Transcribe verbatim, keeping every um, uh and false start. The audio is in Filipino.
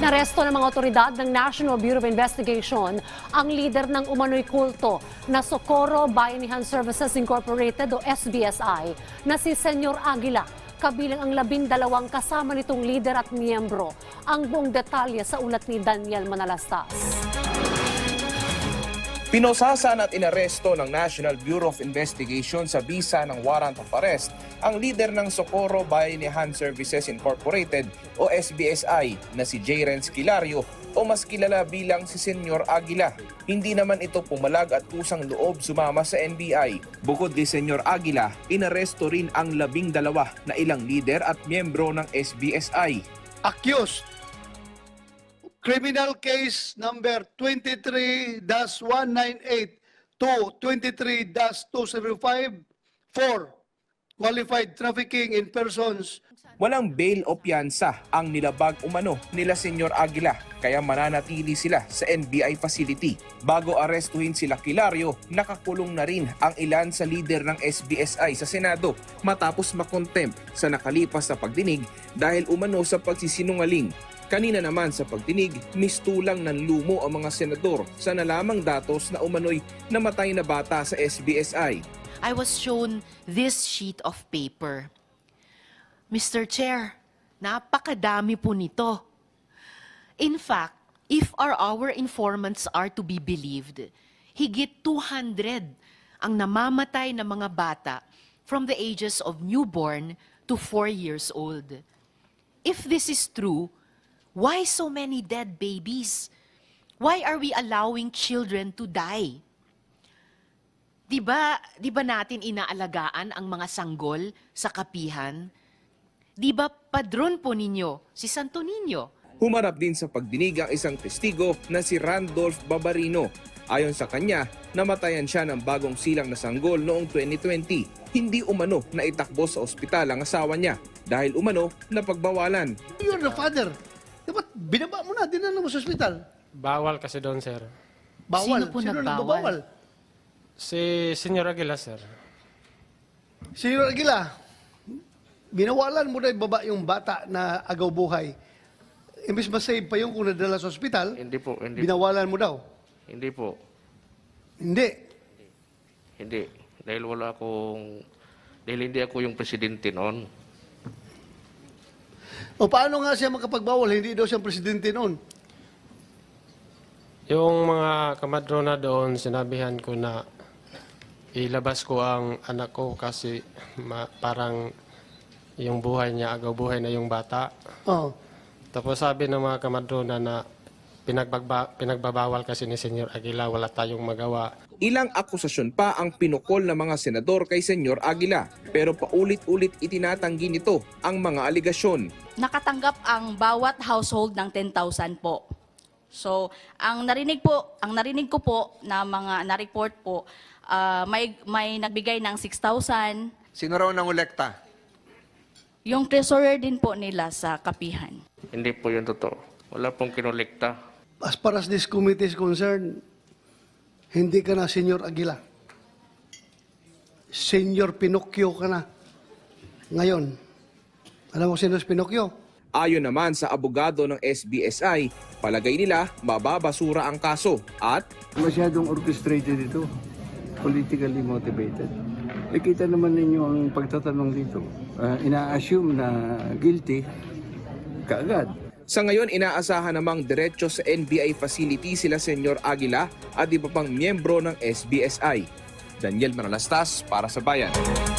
Naresto ng mga otoridad ng National Bureau of Investigation ang lider ng umano'y kulto na Socorro Bayanihan Services Incorporated o S B S I na si Senyor Aguila. Kabilang ang labindalawang kasama nitong lider at miyembro. Ang buong detalye sa ulat ni Daniel Manalastas. Pinosasan at inaresto ng National Bureau of Investigation sa bisa ng warrant of arrest ang lider ng Socorro Bayanihan Services Incorporated o S B S I na si J. Renz Kilario o mas kilala bilang si Senyor Aguila. Hindi naman ito pumalag at kusang loob sumama sa N B I. Bukod di Senyor Aguila, inaresto rin ang labing dalawa na ilang lider at miyembro ng S B S I. Accused. Criminal case number twenty-three dash one ninety-eight to twenty-three dash two seventy-five for qualified trafficking in persons. Walang bail o piyansa ang nilabag umano nila Senyor Aguila kaya mananatili sila sa N B I facility. Bago arestuhin sila Kilario, nakakulong na rin ang ilan sa lider ng S B S I sa Senado matapos makontempt sa nakalipas na pagdinig dahil umano sa pagsisinungaling. Kanina naman sa pagdinig, mistulang ng lumo ang mga senador sa nalamang datos na umano'y namatay na bata sa S B S I. I was shown this sheet of paper. Mister Chair, napakadami po nito. In fact, if our our informants are to be believed, higit two hundred ang namamatay na mga bata from the ages of newborn to four years old. If this is true, why so many dead babies? Why are we allowing children to die? Di ba, di ba natin inaalagaan ang mga sanggol sa kapihan? Di ba padron po ninyo si Santo Niño? Humarap din sa pagdinig ang isang testigo na si Randolph Babarino. Ayon sa kanya, namatayan siya ng bagong silang na sanggol noong twenty twenty. Hindi umano na itakbo sa ospital ang asawa niya dahil umano na pagbawalan. You're the father. Dapat binaba mo na, dinala mo sa ospital. Bawal kasi doon, sir. Bawal. Sino po nagbawal? nagbabawal? Si Senyor Aguila, sir. Senyor Aguila, binawalan mo na ibaba yung bata na agaw buhay. Imbis masave pa yung kung nadala sa ospital, Hindi po, hindi, binawalan mo daw. hindi po. Hindi. Hindi. Dahil wala akong, dahil hindi ako yung presidente noon. O paano nga siya makapagbawal? Hindi daw siyang presidente noon. Yung mga kamadrona doon, sinabihan ko na ilabas ko ang anak ko kasi ma- parang yung buhay niya, agaw buhay na yung bata. Oo. Tapos sabi ng mga kamadrona na pinagbagba, pinagbabawal kasi ni Senyor Aguila, wala tayong magawa. Ilang akusasyon pa ang pinukol ng mga senador kay Senyor Aguila pero paulit-ulit itinatanggi nito ang mga aligasyon. Nakatanggap ang bawat household ng ten thousand po. So, ang narinig po, ang narinig ko po na mga na-report po, ah, may may nagbigay ng six thousand. Sino raw nangolekta? Yung treasurer din po nila sa kapihan. Hindi po yun totoo. Wala pong kinolekta. As far as this committee is concerned, hindi ka na Senyor Aguila. Senyor Pinocchio ka na. Ngayon, alam mo sino si Pinocchio? Ayon naman sa abogado ng S B S I, palagay nila mababasura ang kaso at Masyadong orchestrated ito, politically motivated. Nakita naman ninyo ang pagtatanong dito. Uh, ina-assume na guilty kaagad. sa ngayon inaasahan namang diretso sa N B I facility sila Senyor Aguila at iba pang miyembro ng S B S I. Daniel Manalastas para sa Bayan.